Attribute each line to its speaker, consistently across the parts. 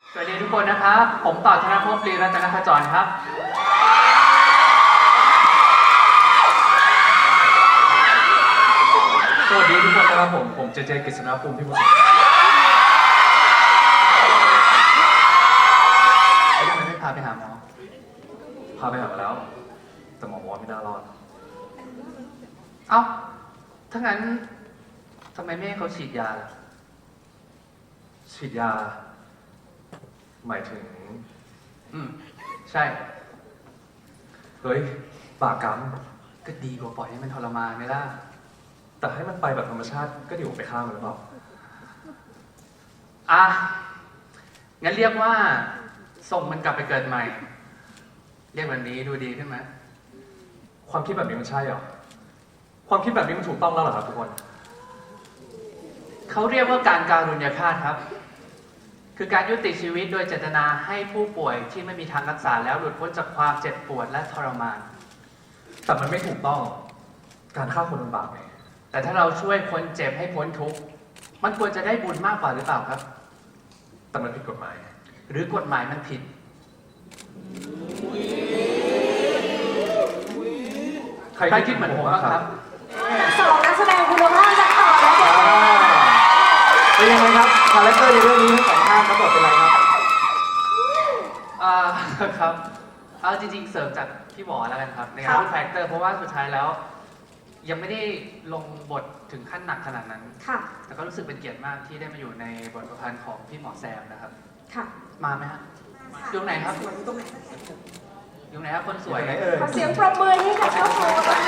Speaker 1: สวัสดีทุกคนนะครับ ผมต่อธนภพ ลีรัตนขจรครับ
Speaker 2: สวัสดีทุกคนนะครับผมเจกฤษณภูมิพิมพ์
Speaker 1: ทำไมไม่พาไปหาหมอ
Speaker 2: พาไปหามาแล้ว แต่หมอบอกว่าไม่น่ารอด
Speaker 1: เอ้า ถ้างั้นทำไมไม่ให้เขาฉีดยาล่ะ
Speaker 2: ฉีดยา หมายถึง
Speaker 1: ใช่
Speaker 2: เฮ้ยบาปกรรม
Speaker 1: ก็ดีกว่าปล่อยให้มันทรมานไหมล่ะ
Speaker 2: แต่ให้มันไปแบบธรรมชาติก็ดีกว่าไปฆ่ามันหรือเปล่า
Speaker 1: อ่ะ งั้นเรียกว่าส่งมันกลับไปเกิดใหม่ เรียกแบบนี้ดูดีขึ้นไหม
Speaker 2: ความคิดแบบนี้มันใช่เหรอ ความคิดแบบนี้มันถูกต้องแล้วเหรอครับทุกคน
Speaker 1: เขาเรียกว่าการการุญยฆาตครับ คือการยุติชีวิตโดยเจตนาให้ผู้ป่วยที่ไม่มีทางรักษาแล้วหลุดพ้นจากความเจ็บปวดและทรมาน
Speaker 2: แต่มันไม่ถูกต้อง การฆ่าคนมันบาปไง
Speaker 1: แต่ถ้าเราช่วยคนเจ็บให้พ้นทุกข์ มันควรจะได้บุญมากกว่าหรือเปล่าครับ
Speaker 2: แต่มันผิดกฎหมาย
Speaker 1: หรือกฎหมายมันผิด ใครคิดเหมือนผมบ้างครับ
Speaker 3: สองนักแสดงคุณภาพจะต่อแล้วเด็ก
Speaker 4: เป็นยังไงครับคาแรคเตอร์ในเรื่องนี้ทั้งสองท่านรับบทเป็นอะไรครับ
Speaker 1: ครับ เอาจริงๆเสริมจากพี่หมอแล้วกันครับใน
Speaker 3: ครั
Speaker 1: การ
Speaker 3: บ
Speaker 1: พูดแฟกเตอร์เพราะว่าสุดท้ายแล้ว ยังไม่ได้ลงบทถึงขั้นหนักขนาดนั้น
Speaker 3: ค่ะ
Speaker 1: แต่ก็รู้สึกเป็นเกียรติมากที่ได้มาอยู่ในบทประพันธ์ของพี่หมอแซมนะครับ
Speaker 3: ค่ะ
Speaker 1: มาไหมฮะ อยู่ไหนครับ
Speaker 3: สวยอยู่ตรงไหน
Speaker 1: อยู่ไหนครับคนสวย
Speaker 4: อยู่ไหนเอ่ย
Speaker 3: ขอเสียงปรบมือให้กับเจ้าของนะคะ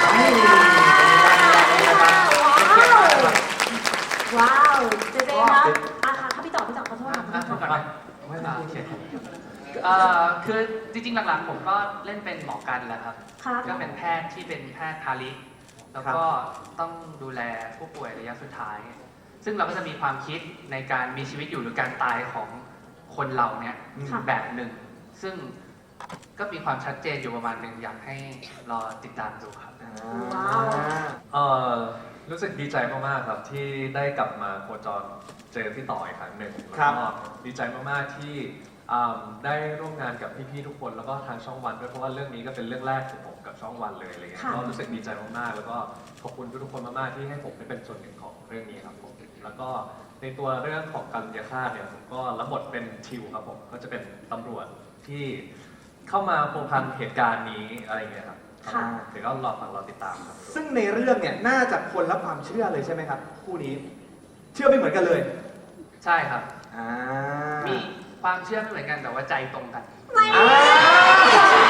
Speaker 3: ว้าวเจเจครับค่ะพี่ต่อขอโทษ
Speaker 1: อ่ะพูดก่อนนะโอเคคือจริงๆหลังๆผมก็เล่นเป็นหมอกันแหละครับ
Speaker 3: ครับ
Speaker 1: ก็เป็นแพทย์ที่เป็นแพทย์ทาริกแล้วก็ต้องดูแลผู้ป่วยระยะสุดท้าย ซึ่งเราก็จะมีความคิดในการมีชีวิตอยู่หรือการตายของคนเราเนี่ย
Speaker 3: ค่ะ
Speaker 1: แบบหนึ่ง ซึ่งก็มีความชัดเจนอยู่ประมาณหนึ่งอยากให้รอติดตามดูครับ
Speaker 3: ว้าว
Speaker 2: รู้สึกดีใจมากๆครับที่ได้กลับมาโคจรเจอพี่ต่ออีกครั้งหนึ่ง
Speaker 4: ครั
Speaker 2: แล้ว
Speaker 4: บ
Speaker 2: ก็ดีใจมากๆที่ได้ร่วมงานกับพี่ๆทุกคนแล้วก็ทางช่องวันด้วยเพราะว่าเรื่องนี้ก็เป็นเรื่องแรกของผมกับช่องวันเลยอะไรเงี้ย
Speaker 3: ค่ะ
Speaker 2: ก็รู้สึกดีใจมากๆแล้วก็ขอบคุณทุกๆคนมากๆที่ให้ผมได้เป็นส่วนหนึ่งของเรื่องนี้ครับผมแล้วก็ในตัวเรื่องของการยาฆ่าเนี่ยผมก็รับบทเป็นทิวครับผมก็จะเป็นตำรวจที่เข้ามาพัวพันเหตุการณ์นี้อะไรเงี้ยครับ
Speaker 3: ค่ะ
Speaker 2: เดี๋ยวก็รอฟังรอติดตามครับ
Speaker 4: ซึ่งในเรื่องเนี่ยน่าจะคนละความเชื่อเลยใช่ไหมครับคู่นี้ เชื่อไม่เหมือนกันเลย
Speaker 1: ใช่ครับ
Speaker 4: อ่า
Speaker 1: มีความเชื่อไม่เหมือนกันแต่ว่าใจตรงกัน
Speaker 3: ไม่
Speaker 4: อ่า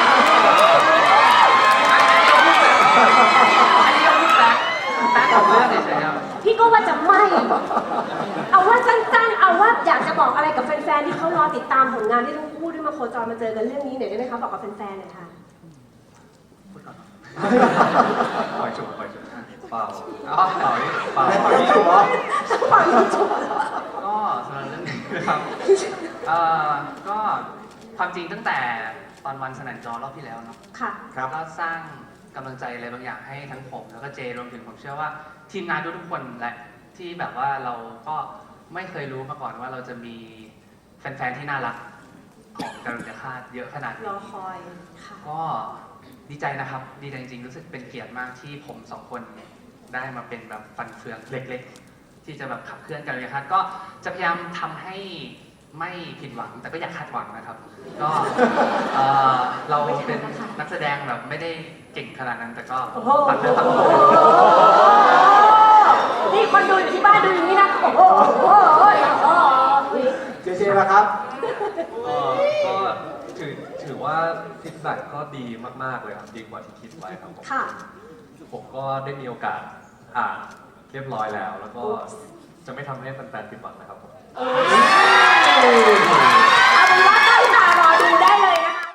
Speaker 1: อันนี้เราพูดแฟกต์ของเรื่องเฉยๆครับ
Speaker 3: พี่ก็ว่าจะไม่ เอาว่าสั้นๆ เอาว่าอยากจะบอกอะไรกับแฟนๆ ที่เขารอติดตามผลงานที่ทั้งคู่ได้มาโคจรมาเจอกันเรื่องนี้หน่อยได้ไหมคะบอกกับแฟนๆหน่อยค่ะ
Speaker 1: พูดก่อน
Speaker 2: ปล่อยจุกเปล่า
Speaker 1: อ๋อ
Speaker 2: เปล่านี่เปล่า
Speaker 4: ไม่ต่อยถูกเหรอ
Speaker 3: ฟังถูก
Speaker 1: ก็สำหรับเรื่องนี้นะครับก็ความจริงตั้งแต่ตอนวันสนันจอรอบที่แล้วเนาะ
Speaker 3: ค่ะ
Speaker 4: ครับ
Speaker 1: ก็สร้างกำลังใจอะไรบางอย่างให้ทั้งผมแล้วก็เจรวมถึงผมเชื่อว่าทีมงานทุกๆคนแหละที่แบบว่าเราก็ไม่เคยรู้มาก่อนว่าเราจะมีแฟนๆที่น่ารักของการุญยฆาตเยอะขนาด
Speaker 3: ร
Speaker 1: นี้
Speaker 3: อคอย ค่ะ
Speaker 1: ก็ดีใจนะครับ ดีใจจริงๆรู้สึกเป็นเกียรติมากที่ผมสองคนได้มาเป็นแบบฟันเฟืองเล็กๆ ที่จะแบบขับเคลื่อนการเรียนครับก็จะพยายามทำให้ไม่ผิดหวังแต่ก็อยากคาดหวังนะครับ ก็เราเป็นนักแสดงแบบไม่ได้เก่งขนาดนั้นแต่ก็
Speaker 3: โอ้โห
Speaker 1: ปัดเนื้อปัดตัว
Speaker 3: นี่คนดูอยู่ที่บ้านดูอย่างนี้นะ โอ้โหโอ้โหโอ้โห
Speaker 4: เจเจล่ะครับ
Speaker 2: ก็ถือว่าฟีดแบ็กก็ดีมากๆเลยครับดีกว่าที่คิดไว้ครับผม
Speaker 3: ค่ะ
Speaker 2: ผมก็ได้มีโอกาสอ่านเรียบร้อยแล้ว แล้วก็จะไม่ทำให้แฟนๆผิดหวังนะครับผม
Speaker 3: เ